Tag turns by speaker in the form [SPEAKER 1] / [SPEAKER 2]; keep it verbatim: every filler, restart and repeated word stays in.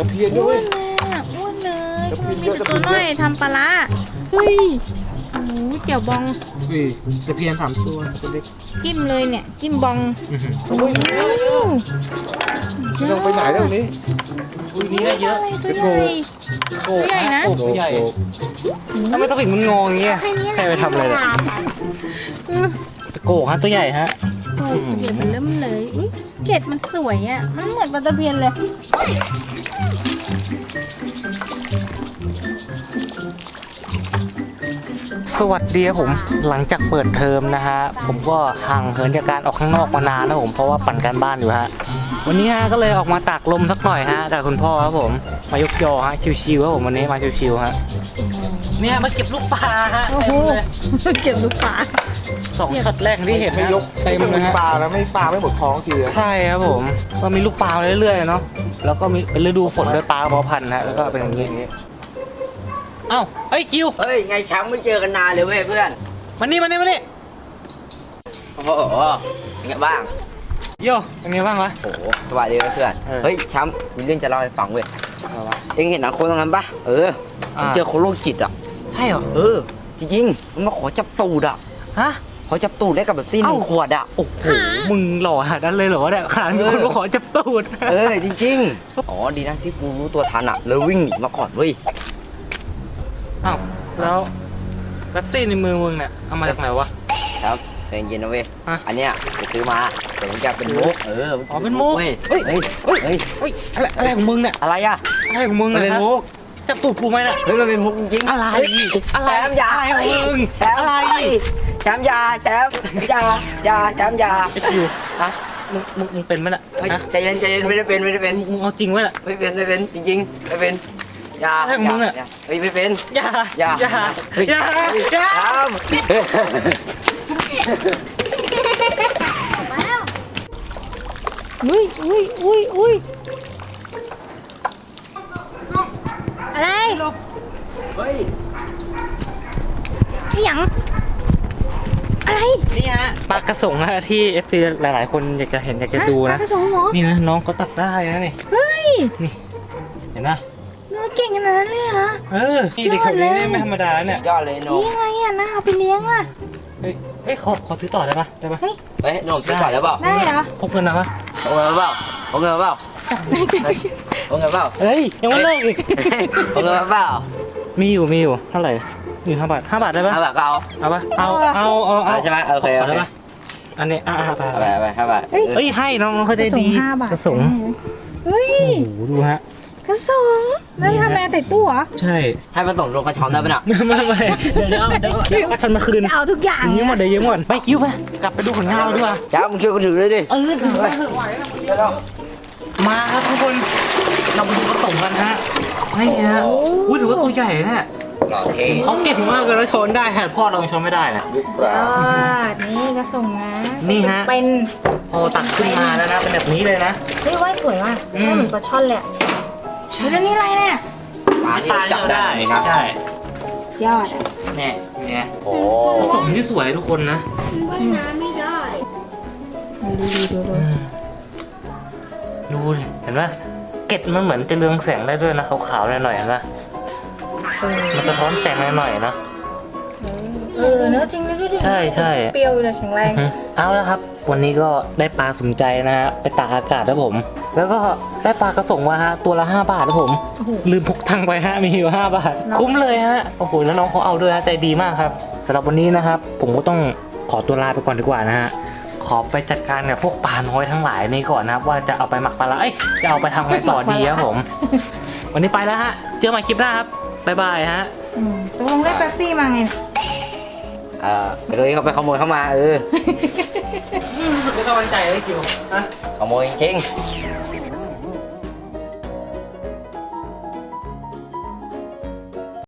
[SPEAKER 1] ตะเพียนด้
[SPEAKER 2] อ้
[SPEAKER 1] ว
[SPEAKER 2] วย นเลยอ่ะอ้วนเลยทำไมมีแต่
[SPEAKER 1] ตะเพี
[SPEAKER 2] ตั
[SPEAKER 1] ยน
[SPEAKER 2] วน้อยทำปลาร้าเฮ้ยโอ้โหเจียวบอง
[SPEAKER 3] อุ้ยตะเพียนสามตัวตัวเล็ก
[SPEAKER 2] จิ้มเลยเนี่ยจิ้มบอง
[SPEAKER 3] อื้อหือ
[SPEAKER 1] โอ้ยไม่ต้องไปไหนแล้วนี้
[SPEAKER 3] อุ้ยนี่ได้เยอะ
[SPEAKER 2] อะไรตัวใหญ่
[SPEAKER 3] โก
[SPEAKER 2] ตัวใหญ่นะ
[SPEAKER 3] โกตัวใหญ่ทำไมต้องปิดมันงออย่างเงี้ย
[SPEAKER 2] แค่นี้
[SPEAKER 3] ใครไปทำอะไรเนี่ย
[SPEAKER 2] อือ
[SPEAKER 3] โกฮะตัวใหญ่ฮะ
[SPEAKER 2] โอ้โหเดี๋ยวมันเริ่มเลยอุ๊ยเกล็ดมันสวยอ่ะมันเหมือนปลาตะเพียนเลย
[SPEAKER 3] สวัสดีครับผมหลังจากเปิดเทอมนะฮะผมก็ห่างเหินจากการออกข้างนอกมานานนะผมเพราะว่าปั่นการบ้านอยู่ฮะวันนี้ฮะก็เลยออกมาตากลมสักหน่อยฮะกับคุณพ่อครับผมมายกยอฮะชิวๆครับผมวันนี้มาชิวๆฮะเนี่ยมาเก็บลูกปลาฮะ
[SPEAKER 2] โอ้โหเก็บลูกปลา
[SPEAKER 3] สองช็อตแรกที่เห็น
[SPEAKER 1] ไม่
[SPEAKER 3] นะ
[SPEAKER 1] ยก
[SPEAKER 3] เต็ม
[SPEAKER 1] ไม่
[SPEAKER 3] เลย
[SPEAKER 1] มี
[SPEAKER 3] ฮะ
[SPEAKER 1] ปลานะไม่ปลาไม่หมดท้องทีเลย
[SPEAKER 3] ใช่ครับผมก็มีลูกปลาเรื่อยๆเนาะแล้วก็มีเป็นฤดูฝนด้วยปลากระเพาะพันธุ์ฮะแล้วก็เป็นอย่างนี้เอ้าเฮ้ยคิว
[SPEAKER 4] เฮ้ยไงช้างไม่เจอกันนานเลยเว้ยเพื่อน
[SPEAKER 3] มานี่มานี่มานี่
[SPEAKER 4] โอ้โหเป็นไงบ้าง
[SPEAKER 3] โยเป็นไงบ้างวะ
[SPEAKER 4] โอ้โหสวัสดีเว้ยเพื่อน
[SPEAKER 3] เออ
[SPEAKER 4] เฮ้ยช้างมีเรื่องจะเล่าให้ฟังเว้ย
[SPEAKER 3] เอาวะ
[SPEAKER 4] เอ็งเห็นหนังคนตรงนั้นปะเออมัน
[SPEAKER 3] อ่า
[SPEAKER 4] เจอคนโรคจิตอ่ะ
[SPEAKER 3] ใช่เหรอ
[SPEAKER 4] เออจริงๆมันมาขอจับตูดอ่ะ
[SPEAKER 3] ฮะ
[SPEAKER 4] ขอจับตูดได้กับแบบซี่หนึ่ง
[SPEAKER 3] เอ้า
[SPEAKER 4] ขวดอ่ะ
[SPEAKER 3] โอ้โหมึงหล่อขนาดนั้นเลยเหรอเนี่ยขนาดมีคนมาขอจับตูด
[SPEAKER 4] เออจริงๆอ๋อดีนะที่กูรู้ตัวทันอ่ะแล้ววิ่งหนีมาก่อนเว้ย
[SPEAKER 3] อ้าวแล้วแป๊บซี่ในมือมึงเนี่ยเอามาจากไหนวะ
[SPEAKER 4] ครับใจเย็นๆนะเว้ย
[SPEAKER 3] ฮะ
[SPEAKER 4] อันเนี้ยไปซื้อมาแต่มันจะเป็นมุกเออ
[SPEAKER 3] อ๋อเป็นมุก
[SPEAKER 4] เว้ย
[SPEAKER 3] เฮ้ย
[SPEAKER 4] เฮ้ย
[SPEAKER 3] เฮ้ย
[SPEAKER 4] เฮ้ย
[SPEAKER 3] เฮ้ยอะไรอะไรของมึงเนี่ย
[SPEAKER 4] อะไรอ่ะ
[SPEAKER 3] อะไรของมึง
[SPEAKER 4] มันเป็น
[SPEAKER 3] ยฮะ
[SPEAKER 4] มุก
[SPEAKER 3] จับตูดกูไหมเนี่ย
[SPEAKER 4] เฮ้ยมันเป็นมุกจริงๆ
[SPEAKER 3] อะไร
[SPEAKER 4] เฮ้ย
[SPEAKER 3] อะไร
[SPEAKER 4] แชมป์ยา
[SPEAKER 3] อะไรของมึง
[SPEAKER 4] แชมป์
[SPEAKER 3] อะไร
[SPEAKER 4] แชมป์ยาแชมป์ยายาแชมป์ยา
[SPEAKER 3] ไอ้คิว
[SPEAKER 4] ฮะ
[SPEAKER 3] มึงมึงมึงเป็นไหมเนี่ย
[SPEAKER 4] เฮ้ย
[SPEAKER 3] ฮะ
[SPEAKER 4] ใจเย็นใจเย็นไม่ได้เป็นไม่ได้เป็น
[SPEAKER 3] มึงเอาจริงไหมเนี่ย
[SPEAKER 4] ไม่เป็นไม่เป็นจริงๆไม่เป็นยา
[SPEAKER 3] อะไรของมึงอะ
[SPEAKER 4] ยาเฮ้ยไม่เป็น
[SPEAKER 3] อย่า
[SPEAKER 4] อย่า
[SPEAKER 3] อย่า
[SPEAKER 4] เฮ้ย
[SPEAKER 3] อย่าอย่า
[SPEAKER 4] ทำ
[SPEAKER 2] อุ้ยอุ้ยอุ้ยอุ้ยอะไร
[SPEAKER 4] เฮ้ย
[SPEAKER 2] อีหยังอะไร
[SPEAKER 3] นี่ฮะปลากระสงนะที่ เอฟ ซี หลายๆ คนอยากจะเห็นอยากจะดู
[SPEAKER 2] ปลา
[SPEAKER 3] นะ
[SPEAKER 2] กระสงเหรอ
[SPEAKER 3] นี่นะน้องเขาตักได้นะนี่
[SPEAKER 2] เฮ้ย
[SPEAKER 3] เห็นนะ
[SPEAKER 2] เนื้อเก่งขนาดนั้นเลยเหรอ
[SPEAKER 3] เออนี่เด็กคนนี้นี่ไม่ธรรมดาเนี่ย
[SPEAKER 4] ยอดเลยโหนม
[SPEAKER 2] นี่ไงอ่ะนะเอาไปเลี้ยงอ่ะ
[SPEAKER 3] เฮ้ยเฮ้ยขอขอซื้อต่อได้ปะได้ปะ
[SPEAKER 4] เฮ้ยโหนมซื้อต่อแล้วเปล่า
[SPEAKER 2] ได้เหรอ
[SPEAKER 3] พกเงินนะปะ
[SPEAKER 4] เอาเงินมาเปล่าเอาเงินมาเปล่าเอาเงินมาเปล่า
[SPEAKER 3] เฮ้ยยังไม่เลิกอีก
[SPEAKER 4] เอาเงินมาเปล่า
[SPEAKER 3] มีอยู่มีอยู่เท่าไหร่อยู่ห้าบาทห้าบาทได้ปะ
[SPEAKER 4] เอาแบบเอา
[SPEAKER 3] เอาปะเอาเอาเอาเอา
[SPEAKER 4] เอาใช่ไหมโอเค
[SPEAKER 3] ข
[SPEAKER 4] โอ
[SPEAKER 3] ได้
[SPEAKER 4] เค
[SPEAKER 3] ปะอันนี้อ่าไป
[SPEAKER 4] เอาไปเอาไปเอาไป
[SPEAKER 2] เฮ้ย
[SPEAKER 3] เอ้ยให้น้องน้องเขาใจดี
[SPEAKER 2] ห้าบาท
[SPEAKER 3] กระสง
[SPEAKER 2] เฮ้ย
[SPEAKER 3] โอ้โหดูฮะ
[SPEAKER 2] กระสงแล้วทำแม่แต่ตู้เหรอ
[SPEAKER 3] ใช่
[SPEAKER 4] ให้มาส่งลงกระชอนได้ปะเนี่ย
[SPEAKER 3] ไม่ไม่ไม่เดี๋ยวเดี๋ยวเอาเดี๋ยวเดี๋ยวก็ชันมาคืน
[SPEAKER 2] จะเอาทุกอย่าง
[SPEAKER 3] ยืมหมดเดี๋ยวยืมหมดไปคิวไปกลับไปดูผลงานเราดีกว่า
[SPEAKER 4] จ้ามึงช่วยกูถือเลยดิ
[SPEAKER 3] เออถือไปเถอะไหวแล้วมาครับทุกคนเราไปดูกระสงกันฮะนี่ฮะอุ้ยถือว่าตัวใหญ่เนี่ย
[SPEAKER 4] หล่อเท่
[SPEAKER 3] เขาเก่งมากเลยแล้วชนได้แทนพ่อเรายังชนไม่ได้นะ
[SPEAKER 1] ลูกปลา
[SPEAKER 2] ยอดนี่กระสงนะ
[SPEAKER 3] นี่ฮะ
[SPEAKER 2] เป็น
[SPEAKER 3] พอตักขึ้นมาแล้วนะเป็นแบบนี้เลยนะ
[SPEAKER 2] เฮ้ยว่ายสวยว่ะ
[SPEAKER 3] อืม
[SPEAKER 2] ว่ายเหมือนปลาช่อนเลยอะ
[SPEAKER 3] ใช่
[SPEAKER 2] เฮ้ยแล้วนี่อะไรเนี่ย
[SPEAKER 4] ปลาที่จับได้เลยนะ
[SPEAKER 3] ใช่
[SPEAKER 2] ยอดอ่ะ
[SPEAKER 3] เนี่ยเนี่ย
[SPEAKER 4] โอ้
[SPEAKER 3] กระสงที่สวยทุกคนนะ
[SPEAKER 2] ดูดูดูดู
[SPEAKER 3] อืมดูดิเห็นไหมเกล็ดมันเหมือนจะเรืองแสงได้ด้วยนะขาวๆหน่อยๆเห็นไหม
[SPEAKER 2] เออ
[SPEAKER 3] มันสะท้อนแสงหน่อยๆนะ
[SPEAKER 2] เออเนื้อะจริงนะดูดิ
[SPEAKER 3] ใช่ใช่
[SPEAKER 2] เปรี้ยวเลยแข็งแรง
[SPEAKER 3] อืมเอาแล้วครับ วันนี้ก็ได้ปลาสมใจนะฮะไปตากอากาศครับผม แล้วก็ได้ปลากระสงมาฮะตัวละห้าบาทครับผม
[SPEAKER 2] โอ้โห
[SPEAKER 3] ลืมพกตังค์ไปฮะมีอยู่ห้าบาท
[SPEAKER 2] น้อง
[SPEAKER 3] คุ้มเลยฮะโอ้โหแล้วน้องเขาเอาด้วยฮะใจดีมากครับสำหรับวันนี้นะครับ ผมก็ต้องขอตัวลาไปก่อนดีกว่านะฮะขอไปจัดการกับพวกปลาน้อยทั้งหลายนี่ก่อนนะครับว่าจะเอาไปหมักปลาละเอ้ยจะเอาไปทำไงต่อดีครับผม วันนี้ไปแล้วฮะเจอกันใหม่คลิปหน้าครับบ๊ายบายฮะ
[SPEAKER 2] อืมตกลงได้แป๊บซี่มาไง
[SPEAKER 4] เออเดี๋ยวนี้เขาไปขโมยเข้ามาเออ
[SPEAKER 3] รู้สึกไม่กำลังใจเลยคิวฮะ
[SPEAKER 4] ขโมยจริงๆ